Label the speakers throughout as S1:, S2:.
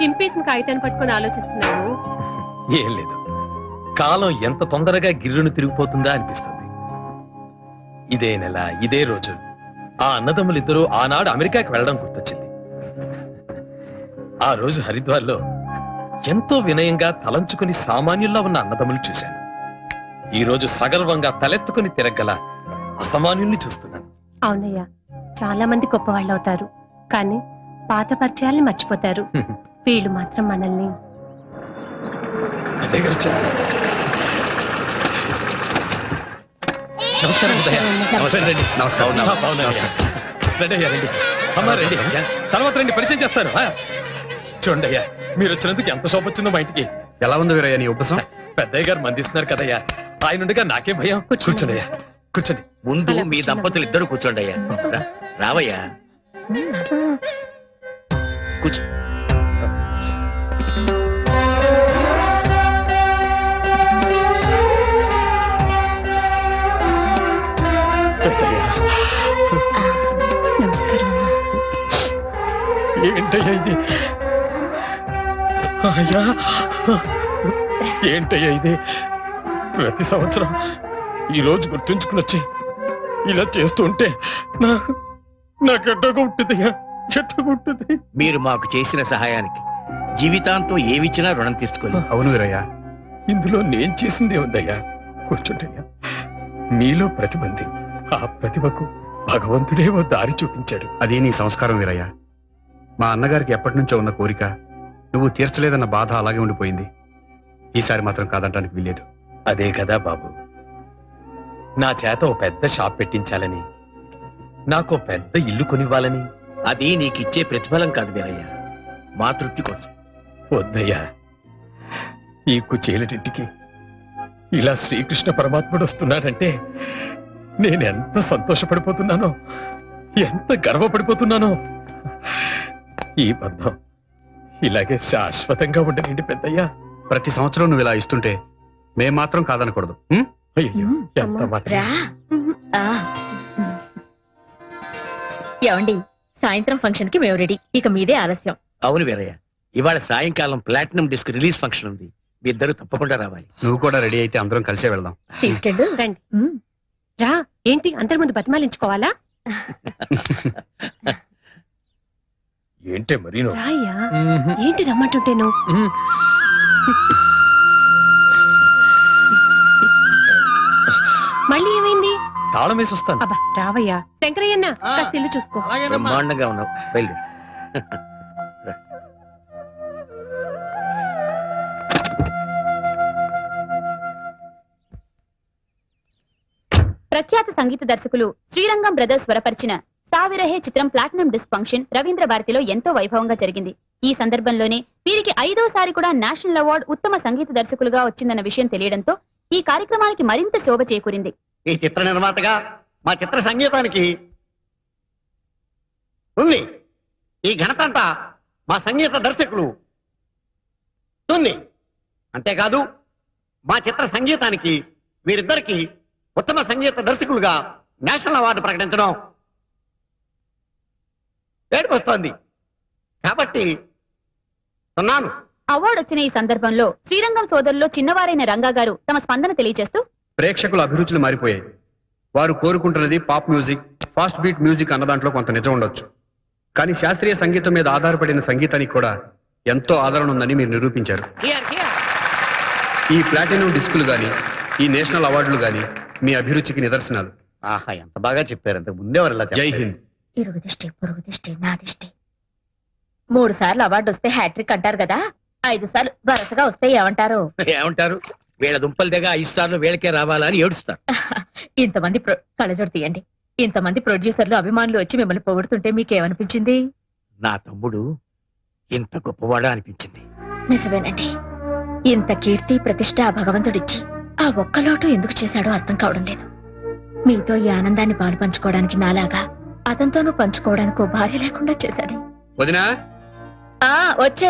S1: చింపేసిన కాగితాన్ని పట్టుకొని ఆలోచిస్తున్నావు?
S2: ఏం లేదు, కాలం ఎంత తొందరగా గిర్రును తిరిగిపోతుందా అనిపిస్తుంది. ఇదే నెల ఇదే రోజు ఆ అన్నదమ్ములిద్దరూ ఆనాడు అమెరికాకి వెళ్ళడం గుర్తొచ్చింది. ఆ రోజు హరిద్వార్లో ఎంతో వినయంగా తలంచుకుని సామాన్యుల్లా ఉన్న అన్నదమ్ములు చూశాను. ఈ రోజు సగర్వంగా తలెత్తుకుని తిరగల అసామాన్యుల్ని చూస్తున్నాను.
S1: అవునయ్యా, చాలా మంది గొప్పవాళ్ళు అవుతారు, కానీ పాత పరిచయాల్ని మర్చిపోతారు. వీళ్ళు మాత్రం మనల్ని.
S2: నమస్కారం. తర్వాత రండి, పరిచయం చేస్తాను. చూడండి అయ్యా, మీరు వచ్చినందుకు ఎంత శోభ వచ్చిందో మా ఇంటికి.
S3: ఎలా ఉంది వీరయ్య నీ ఉపసం?
S2: పెద్దయ్య గారు మందిస్తున్నారు కదయ్యా, ఆయనుండగా నాకేం భయం. కూర్చోండి అయ్యా, కూర్చోండి.
S4: ముందు మీ దంపతులు ఇద్దరు కూర్చోండి అయ్యా. రావయ్యా, కూర్చో.
S2: ఏంటయ్యా ఇది? అయ్యా, ఏంటయ్యా ఇది? ప్రతి సంవత్సరం ఈ రోజు గుర్తుంచుకుని వచ్చి ఇలా చేస్తూ ఉంటే నాకు ఎట్టగా ఉంటుందయ్యా, ఎట్టగా ఉంటుంది.
S4: మీరు మాకు చేసిన సహాయానికి జీవితాంతం ఏమిచ్చినా రుణం తీర్చుకోలేదు.
S3: అవును వీరయ్య,
S2: ఇందులో నేను చేసిందే ఉందయ్యా. కూర్చుంటయ్యా. నీలో ప్రతిభ ఉంది, ఆ ప్రతిభకు భగవంతుడే ఓ దారి చూపించాడు.
S3: అది నీ సంస్కారం వీరయ్య. మా అన్నగారికి ఎప్పటి నుంచో ఉన్న కోరిక నువ్వు తీర్చలేదన్న బాధ అలాగే ఉండిపోయింది. ఈసారి మాత్రం కాదంటానికి వీల్లేదు.
S2: అదే కదా బాబు, నా చేత ఓ పెద్ద షాప్ పెట్టించాలని, నాకు పెద్ద ఇల్లు కొనివ్వాలని.
S4: అది నీకిచ్చే ప్రతిఫలం కాదు వీరయ్య, మా తృప్తి కోసం.
S2: వద్దయ్యా, ఈ కుచేలటింటికి ఇలా శ్రీకృష్ణ పరమాత్ముడు వస్తున్నాడంటే నేనెంత సంతోషపడిపోతున్నానో, ఎంత గర్వపడిపోతున్నానో. ఈ బంధం ఇలాగే శాశ్వతంగా ఉండనండి పెద్దయ్యా.
S3: ప్రతి సంవత్సరం నువ్వు ఇలా ఇస్తుంటే మేం మాత్రం కాదనకూడదు.
S2: అయ్యో, ఎంత మాట.
S5: ఏమండి, సాయంత్రం ఫంక్షన్ కి మేము రెడీ, ఇక మీదే ఆలస్యం.
S4: అవును వీరయ్య, ఇవాళ సాయంకాలం ప్లాటినం డిస్క్ రిలీజ్ ఫంక్షన్ ఉంది, మీ ఇద్దరు తప్పకుండా రావాలి.
S3: నువ్వు కూడా రెడీ అయితే అందరం కలిసే వెళ్దాం.
S5: తీసుకెళ్ళు.
S1: రండి. రా. ఏంటి అందరి ముందు బతిమాలించుకోవాలా?
S2: ఏంటే మరీను?
S1: రాయ్యా, ఏంటి రమ్మంటుంటేను? మళ్ళీ ఏమైంది?
S2: తాళం వేసి వస్తాను.
S1: అబ్బా రావయ్యా. శంకరయ్యన్న కాస్త ఇల్లు చూసుకో.
S4: బ్రహ్మాండంగా ఉన్నావు, బయలుదేరు.
S5: ప్రఖ్యాత సంగీత దర్శకులు శ్రీరంగం బ్రదర్స్ స్వరపరిచిన సావిరహే చిత్రం ప్లాటినం డిస్క్ ఫంక్షన్ రవీంద్ర భారతిలో ఎంతో వైభవంగా జరిగింది. ఈ సందర్భంలోనే వీరికి 5వసారి కూడా నేషనల్ అవార్డు ఉత్తమ సంగీత దర్శకులుగా వచ్చిందన్న విషయం తెలియడంతో ఈ కార్యక్రమానికి మరింత శోభ చేకూరింది.
S4: ఈ చిత్ర నిర్మాతగా మా చిత్ర సంగీతానికి ఉంది. ఈ ఘనత అంతా మా సంగీత దర్శకులు ఉంది. అంతేకాదు మా చిత్ర సంగీతానికి వీరిద్దరికి ఉత్తమ సంగీత దర్శకులుగా నేషనల్ అవార్డు ప్రకటించడం ఏడుపొస్తోంది. కాబట్టి
S5: అవార్డు వచ్చిన ఈ సందర్భంలో శ్రీరంగం సోదరుల్లో చిన్నవారైన రంగా గారు తమ స్పందన తెలియజేస్తూ,
S3: ప్రేక్షకుల అభిరుచులు మారిపోయాయి. వారు కోరుకుంటున్నది pop music, fast beat music అన్న దాంట్లో కొంత నిజం ఉండొచ్చు. కానీ శాస్త్రీయ సంగీతం మీద ఆధారపడిన సంగీతానికి కూడా ఎంతో ఆదరణ ఉందని మీరు నిరూపించారు. ఈ ప్లాటినం డిస్కులు గాని, ఈ నేషనల్ అవార్డులు గాని మీ అభిరుచికి నిదర్శనాలు.
S4: ఆహా, ఎంత బాగా చెప్పారు. అంతకు ముందేవారు.
S3: జై హింద్.
S5: ఇరుగు దిష్టి, పొరుగు దిష్టి, నా దిష్టి. 3 సార్లు అవార్డు వస్తే హ్యాట్రిక్ అంటారు కదా, 5 సార్లు వరుసగా వస్తే ఏమంటారు?
S4: ఏమంటారు? వీళ్ళ దుంపల దగ్గర 5 సార్లు వీళ్ళకే రావాలా అని ఏడుస్తారు.
S5: ఇంతమంది కళ్ళజోడు తీయండి. ఇంతమంది ప్రొడ్యూసర్లు అభిమానులు వచ్చి మిమ్మల్ని పొగుడుతుంటే మీకేమనిపించింది?
S4: నా తమ్ముడు ఇంత గొప్పవాడా అనిపించింది.
S5: నిజమేనండి. ఇంత కీర్తి ప్రతిష్ట ఆ భగవంతుడిచ్చి ఆ ఒక్క లోటు ఎందుకు చేశాడో అర్థం కావడం లేదు. మీతో ఈ ఆనందాన్ని పాలు పంచుకోవడానికి నాలాగా అతనితోనూ పంచుకోవడానికి ఓ భార్య లేకుండా చేశాడు.
S3: వదినా,
S5: వచ్చే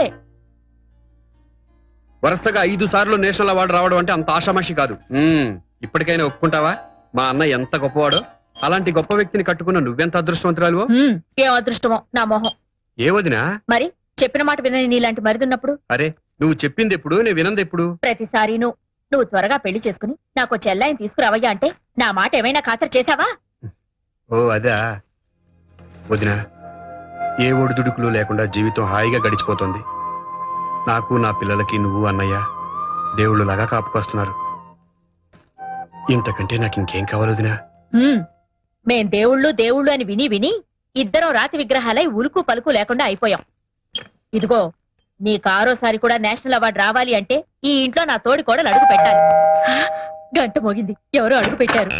S3: వరుసగా 5 సార్లు నేషనల్ అవార్డు రావడం అంటే అంత ఆషామాషి కాదు. ఇప్పటికైనా ఒప్పుకుంటావా మా అన్న ఎంత గొప్పవాడో? అలాంటి గొప్ప వ్యక్తిని కట్టుకున్న నువ్వెంత అదృష్టవంతురాలువో.
S5: ఏం అదృష్టమో నా మొహం.
S3: ఏ వదినా?
S5: మరి
S6: చెప్పిన మాట వినని నీలాంటి మరిదున్నప్పుడు
S3: అరే నువ్వు చెప్పింది ఎప్పుడు నేను వినంది ఎప్పుడు?
S6: ప్రతిసారి నువ్వు త్వరగా పెళ్లి చేసుకుని నాకు చెల్లాయిని తీసుకురావయ్యా అంటే నా మాట ఏమైనా ఖాతరు చేశావా?
S3: ఓ అదా వదినా, ఏ ఒడిదుడుకులు లేకుండా జీవితం హాయిగా గడిచిపోతుంది. నాకు నా పిల్లలకి నువ్వు అన్నయ్య దేవుళ్ళు లాగా కాపుకొస్తున్నారు. ఇంతకంటే నాకు ఇంకేం కావాలి వదినా?
S6: మేం దేవుళ్ళు అని విని విని ఇద్దరం రాతి విగ్రహాలై ఉలుకు పలుకు లేకుండా అయిపోయాం. ఇదిగో నీకు ఆరోసారి కూడా నేషనల్ అవార్డు రావాలి అంటే ఈ ఇంట్లో నా తోడి కోడలు అడుగు పెట్టాలి. గంట మోగింది, ఎవరో అడుగు పెట్టారు.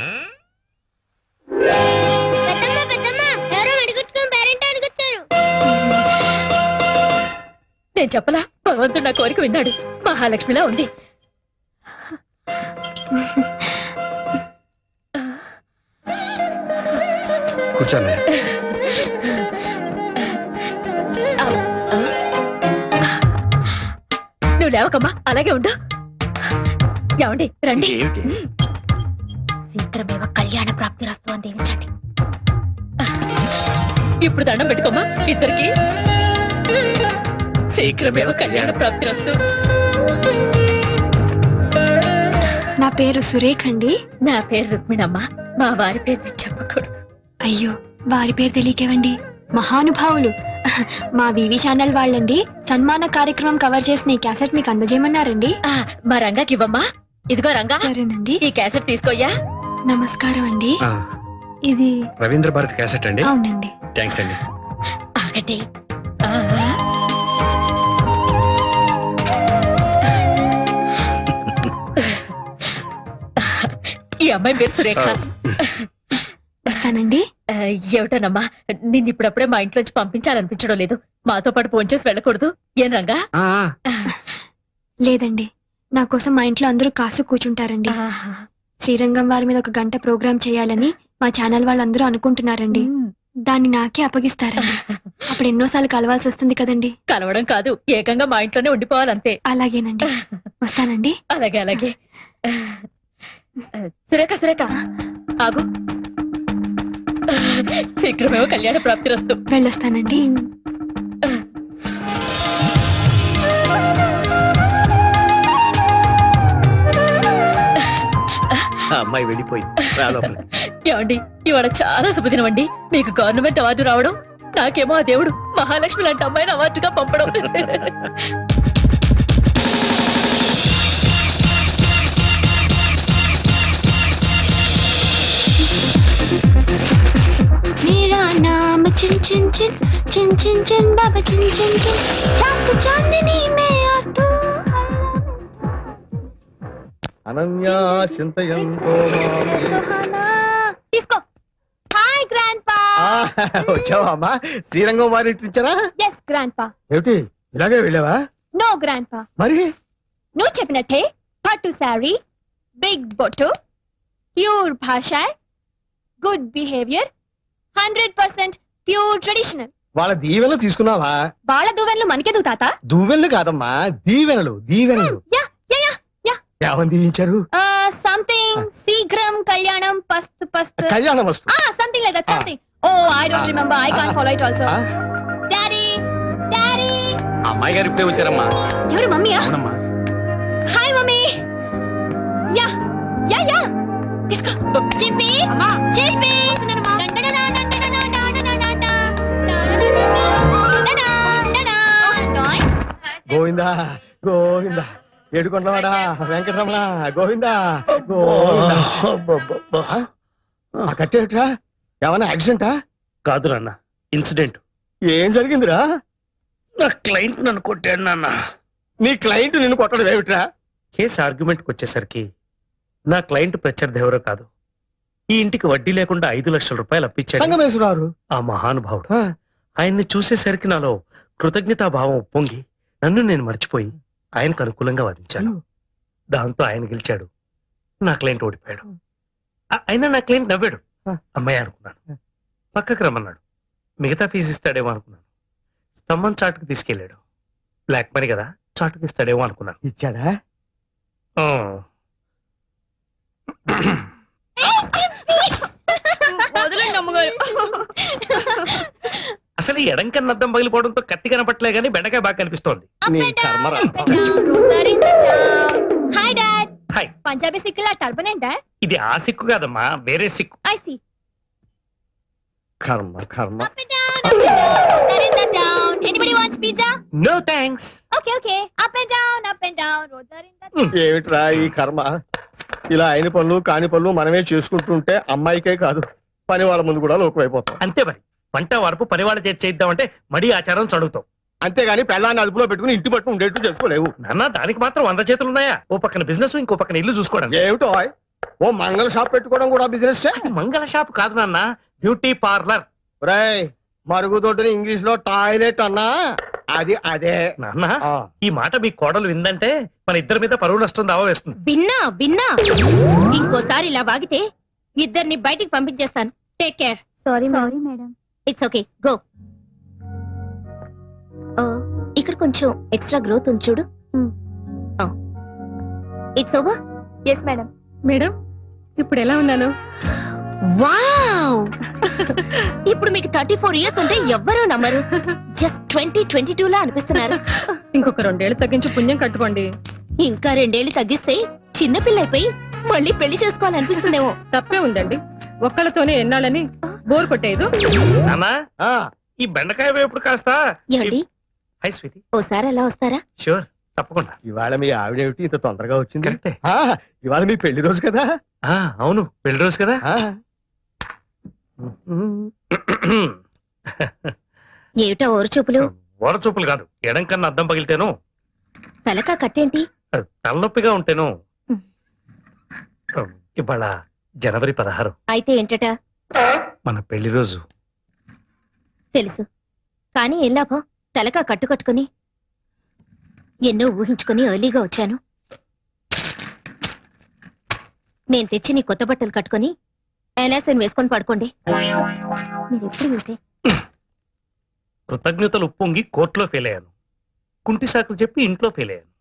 S6: నేను చెప్పలా, భగవంతుడు నా కోరిక విన్నాడు. మహాలక్ష్మిలా ఉంది.
S3: కూర్చోన్నయ్య.
S6: నువ్వు లేవకమ్మా, అలాగే ఉండు. ఏమండి రండి.
S4: ఏమిటి?
S6: శీఘ్రమేవ కళ్యాణ ప్రాప్తి రస్తు అని దీవించండి. ఇప్పుడు దండం పెట్టుకోమ్మా ఇద్దరికి. శీఘ్రమేవ కళ్యాణ ప్రాప్తి రస్తు.
S7: నా పేరు సురేఖ్ అండి.
S6: నా పేరు రుక్మిణమ్మ. మా వారి పేరు నేను చెప్పకూడదు.
S7: అయ్యో, వారి పేరు తెలియకేవండి. మహానుభావులు. మా వివి ఛానల్ వాళ్ళండి సన్మాన కార్యక్రమం కవర్ చేసిన ఈ క్యాసెట్ మీకు అందజేయమన్నారండి.
S6: మా రంగాకి ఇవ్వమ్మా. ఇదిగో రంగా,
S7: సరేనండి.
S6: ఈ క్యాసెట్ తీసుకోయ్యా.
S7: నమస్కారం అండి.
S3: ఆ,
S7: ఇది
S3: రవీంద్ర భారతి క్యాసెట్ అండి.
S7: అవునండి.
S3: థ్యాంక్స్ అండి.
S6: ఆగండి. ఈ అమ్మాయి పేరు సురేఖ.
S7: వస్తానండి.
S6: ఏమిటోనమ్మా, నిన్ను ఇప్పుడప్పుడే మా ఇంట్లోంచి పంపించాలనిపించడం లేదు. మాతో పాటు ఫోన్ చేసి వెళ్ళకూడదు ఏం రంగా?
S3: ఆ,
S7: లేదండి, నా కోసం మా ఇంట్లో అందరూ కాసు కూర్చుంటారండి. శ్రీరంగం వారి మీద ఒక గంట ప్రోగ్రామ్ చేయాలని మా ఛానల్ వాళ్ళందరూ అనుకుంటున్నారండి. దాన్ని నాకే అప్పగిస్తారండి. అప్పుడు ఎన్నోసార్లు కలవాల్సి వస్తుంది కదండి.
S6: కలవడం కాదు, ఏకంగా మా ఇంట్లోనే ఉండిపోవాలంతే.
S7: అలాగేనండి, వస్తానండి.
S6: అలాగే అలాగే. సురేఖ సురేఖ ఆగు. శీఘ్రమేమో కళ్యాణ ప్రాప్తి రస్తు.
S7: వెళ్ళొస్తానండి.
S4: ఆ అమ్మాయి వెళ్ళిపోయింది. రా లోపలికి.
S6: ఏమండి, ఇవాళ చాలా శుభదినం అండి. మీకు గవర్నమెంట్ అవార్డు రావడం, నాకేమో ఆ దేవుడు మహాలక్ష్మి లాంటి అమ్మాయిని అవార్డుగా పంపడం.
S7: मेरा नाम चिन चिन चिन चिन चिन चिन बाबा चिन चिन चिन रात चांदनी में और तू
S4: అనన్యా చింతయంతో
S7: सुहाना इसको हाय ग्रैंडपा
S4: వచ్చావా అమ్మా? శ్రీరంగం వారి ఇచ్చారా?
S7: yes grandpa
S4: ఏమిటి ఇలాగే వెళ్ళావా?
S7: no grandpa
S4: మరి
S7: నువ్వు చెప్పినట్టే పట్టు సారీ బిగ్ బొట్టు ప్యూర్ భాష గుడ్ బిహేవియర్ 100% ప్యూర్ ట్రెడిషనల్.
S4: వాళ్ళ దీవెనలు తీసుకున్నావా?
S7: బాళ దువ్వెనలు మనకెందుకు తాత?
S4: దువ్వెనలు కాదమ్మా, దీవెనలు దీవెనలు.
S7: యా యా యా యా
S4: ఏమని దీవించారు?
S7: సంథింగ్ శీఘ్రం కళ్యాణం పస్తు పస్తు
S4: కళ్యాణం వస్తు.
S7: Something like that something. Oh I don't remember, I can't follow it also. Daddy daddy
S3: అమ్మాయి గారు ఇప్పుడే వచ్చారమ్మా.
S7: ఎవరు మమ్మీయా?
S3: అవునమ్మా.
S7: Hi mummy. Yeah yeah yeah తీసుకో. చిప్పి చిప్పి
S4: గోవిందా గోవిందా ఏడుకొండవాడా వెంకటరమణ గోవిందా గోవిందా. ఆ కట్టేట్రా? ఏమన్నా యాక్సిడెంటా?
S8: కాదు నాన్న, ఇన్సిడెంట్.
S4: ఏం జరిగిందిరా?
S8: నా క్లయింట్ నన్ను కొట్టాడు నాన్న.
S4: నీ క్లయింట్ నిన్ను కొట్టడం ఏమిట్రా?
S8: కేసు ఆర్గ్యుమెంట్కి వచ్చేసరికి నా క్లయింట్ ప్రత్యర్థి ఎవరో కాదు, ఈ ఇంటికి వడ్డీ లేకుండా 5 లక్షల రూపాయలు అప్పించాడు
S4: సంగమేశ్వరారు.
S8: ఆ మహానుభావుడు. ఆయన్ని చూసేసరికి నాలో కృతజ్ఞతాభావం ఉప్పొంగి నన్ను నేను మర్చిపోయి ఆయనకు అనుకూలంగా వాదించాను. దాంతో ఆయన గెలిచాడు, నా క్లయింట్ ఓడిపోయాడు. అయినా నా క్లయింట్ నవ్వాడు. అమ్మాయి అనుకున్నాను. పక్కకు రమ్మన్నాడు. మిగతా ఫీజు ఇస్తాడేమో అనుకున్నాను. స్తంభం చాటుకు తీసుకెళ్లాడు. బ్లాక్ మనీ కదా, చాటుకు ఇస్తాడేమో అనుకున్నాను.
S4: ఇచ్చాడా?
S8: ఆ. అసలు కానీ ఎడంకన్న అద్దం పగిలిపోవడంతో కత్తి కనపట్లే గానీ బెండకాయ బాగా కనిపిస్తోంది.
S5: Hi dad.
S8: హాయ్.
S5: పంజాబీ సిక్కులా టర్బన్ ఏంటా?
S8: ఇది ఆ సిక్కు కాదమ్మా, వేరే సిక్కు.
S5: I see.
S9: కర్మ కర్మ.
S5: Up and down, up and down, roads are in the town. Anybody wants pizza?
S8: No thanks.
S5: Okay, okay. Up and down, roads are in the town.
S9: ఏమిట్రా ఈ కర్మ? ఇలా అయిన పనులు కాని పనులు మనమే చేసుకుంటుంటే అమ్మాయికే కాదు పని వాళ్ళ ముందు కూడా లోకమైపోతాం.
S8: అంతే మరి, వంట వరపు పని వాళ్ళ చేద్దామంటే మడి ఆచారం చదువుతాం.
S9: అంతేగాని పెళ్ళాన్ని అదుపులో పెట్టుకుని ఇంటి పట్టు ఉండేట్టు చేసుకోలేవు.
S8: నాన్న దానికి మాత్రం 100 చేతులు ఉన్నాయా? ఓ పక్కన బిజినెస్, ఇంకో పక్కన ఇల్లు చూసుకోవడం.
S9: ఏమిటో ఓ మంగళ షాప్ పెట్టుకోవడం కూడా బిజినెస్.
S8: మంగళ షాప్ కాదు నాన్న, బ్యూటీ పార్లర్.
S9: రాయ్ మరుగుదొడ్డిని ఇంగ్లీష్ లో టాయిలెట్ అన్నా అది అదే.
S8: నాన్న ఈ మాట మీ కోడలు విందంటే మన ఇద్దరి మీద పరువు నష్టం దావా వేస్తుంది.
S6: బిన్నా ఇంకోసారి ఇలా వాగితే ఇద్దరిని బయటికి పంపించేస్తాను. Take care.
S5: Sorry, madam.
S6: It's okay, go.
S5: ఇక్కడ కొంచెం ఎక్స్ట్రా గ్రోత్ ఉంది చూడు.
S6: It's over.
S5: Yes madam.
S1: Madam ఇప్పుడు ఎలా ఉన్నాను?
S6: వావ్ ఇప్పుడు మీకు 34 ఇయర్స్ ఉంటే ఎవ్వరూ నమ్మరు. జస్ట్ 2022 లా అనిపిస్తున్నారు.
S1: ఇంకొక 2 ఏళ్ళు తగ్గించి పుణ్యం కట్టుకోండి.
S6: ఇంకా 2 ఏళ్ళు తగ్గిస్తే చిన్నపిల్ల అయిపోయి మళ్ళీ పెళ్లి చేసుకోవాలనిపిస్తుందేమో.
S1: తప్పే ఉందండి, ఒక్కళ్ళతోనే ఎన్నాళ్ళని బోర్ కొట్టేదు.
S8: నాన్న ఈ బెండకాయ వేపుడు కాస్త.
S6: ఏమండి
S8: హై స్వీటీ.
S6: ఓసారి అలా వస్తారా?
S8: షూర్, తప్పకుండా.
S9: ఇవాళ మీ ఆవిడేమిటి ఇంత తొందరగా వచ్చింది?
S8: కరెక్టే.
S9: ఇవాళ మీ పెళ్లి రోజు కదా.
S8: అవును, పెళ్లి రోజు కదా.
S6: ఏమిటా ఓరు చూపులు?
S8: ఓర చూపులు కాదు, ఎడం కన్నా అద్దం పగిలితేను,
S6: తలకా కట్టేంటి?
S8: తలనొప్పిగా ఉంటేను. ఇవాళ జనవరి 16.
S6: అయితే ఏంటట?
S8: మన పెళ్లి రోజు.
S6: తెలుసు, కానీ ఏం లాభం? తలకా కట్టుకట్టుకుని ఎన్నో ఊహించుకుని ఎర్లీగా వచ్చాను. నేను తెచ్చి నీ కొత్త బట్టలు కట్టుకుని ఎనాసన్ వేసుకొని పడుకోండి. మీరు ఎప్పుడు వెళ్తే
S8: కృతజ్ఞతలు ఉప్పొంగి కోర్టులో ఫెయిల్ అయ్యాను, కుంటి సాకులు చెప్పి ఇంట్లో ఫెయిల్ అయ్యాను.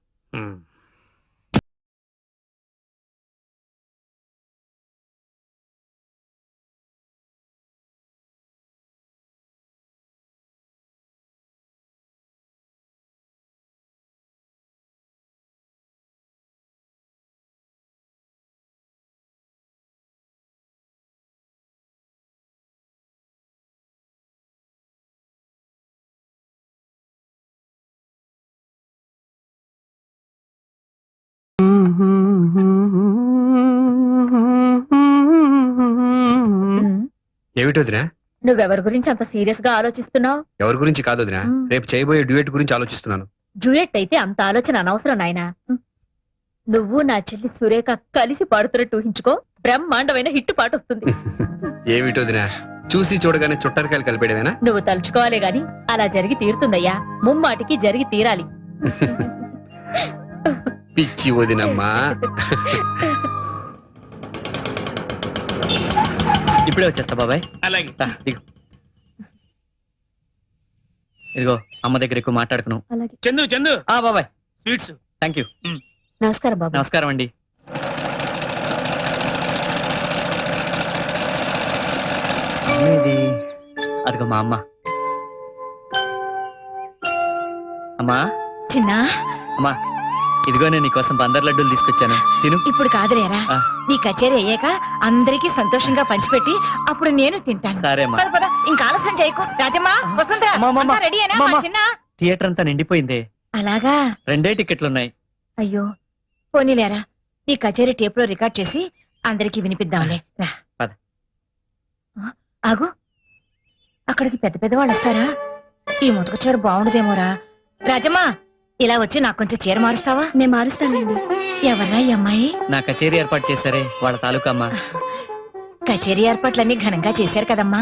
S3: ఏమిటి వదినా?
S6: నువ్వెవరి గురించి అంత సీరియస్ గా ఆలోచిస్తున్నావు?
S3: ఎవరి గురించి కాదు వదినా, రేపు చేయబోయే డ్యూయట్ గురించి ఆలోచిస్తున్నాను.
S6: జూయట్ అయితే అంత ఆలోచన అనవసరం నాయనా. నువ్వు నా చెల్లి సురేఖ కలిసి పాడుతున్నట్టు ఊహించుకో, బ్రహ్మాండమైన హిట్ పాట వస్తుంది.
S3: ఏమిటి వదినా, చూసి చూడగానే చుట్టరికాయలు కలిపేయడమేనా?
S6: నువ్వు తలుచుకోవాలే గాని అలా జరిగి తీరుతుందయ్యా, ముమ్మాటికి జరిగి తీరాలి.
S3: పిచ్చి వదినమ్మా.
S10: ఇప్పుడే వచ్చేస్తా బాబాయ్.
S8: అలాగే.
S10: దిగు. ఇదిగో అమ్మ దగ్గర ఎక్కువ మాట్లాడుకును.
S8: చందు చందు
S10: బాబాయ్
S8: స్వీట్స్.
S10: Thank you.
S6: నమస్కారం బాబు.
S10: నమస్కారం అండి. ఇది అదిగో మా అమ్మ. అమ్మా
S6: చిన్నా,
S10: అమ్మా ఇదిగో నేను నీకోసం బందర్ లడ్డూలు తీసుకొచ్చాను, తిను.
S6: ఇప్పుడు కాదులేరా, నీ కచేరీ అయ్యాక అందరికీ సంతోషంగా పంచిపెట్టి అప్పుడు నేను తింటాను.
S10: సరే అమ్మా.
S6: పద పద, ఇంకా ఆలస్యం చేయకు. రాజమ్మా, వసుంధరా, అంతా రెడీయేనా? మా చిన్న
S10: థియేటర్ అంతా నిండిపోయిందే.
S6: అలాగా?
S10: 2 టికెట్లున్నాయి.
S6: అయ్యో, పోనీలేరా, నీ కచేరీ టేప్ లో రికార్డ్ చేసి అందరికి వినిపిద్దాంలే. రా.
S10: పద.
S6: ఆగు, అక్కడికి పెద్ద పెద్ద వాళ్ళు వస్తారా? ఈ ముతక చీర బాగుండదేమోరా. రాజమ్మా, ఇలా వచ్చి నాకు కొంచెం చీర మారుస్తావా?
S7: నేను మారుస్తానండి.
S6: ఎవర్రా ఈ అమ్మాయి?
S10: నా కచేరీ ఏర్పాటు చేశారే వాళ్ళ తాలూకా అమ్మ.
S6: కచేరీ ఏర్పాట్లన్నీ ఘనంగా చేశారు కదమ్మా.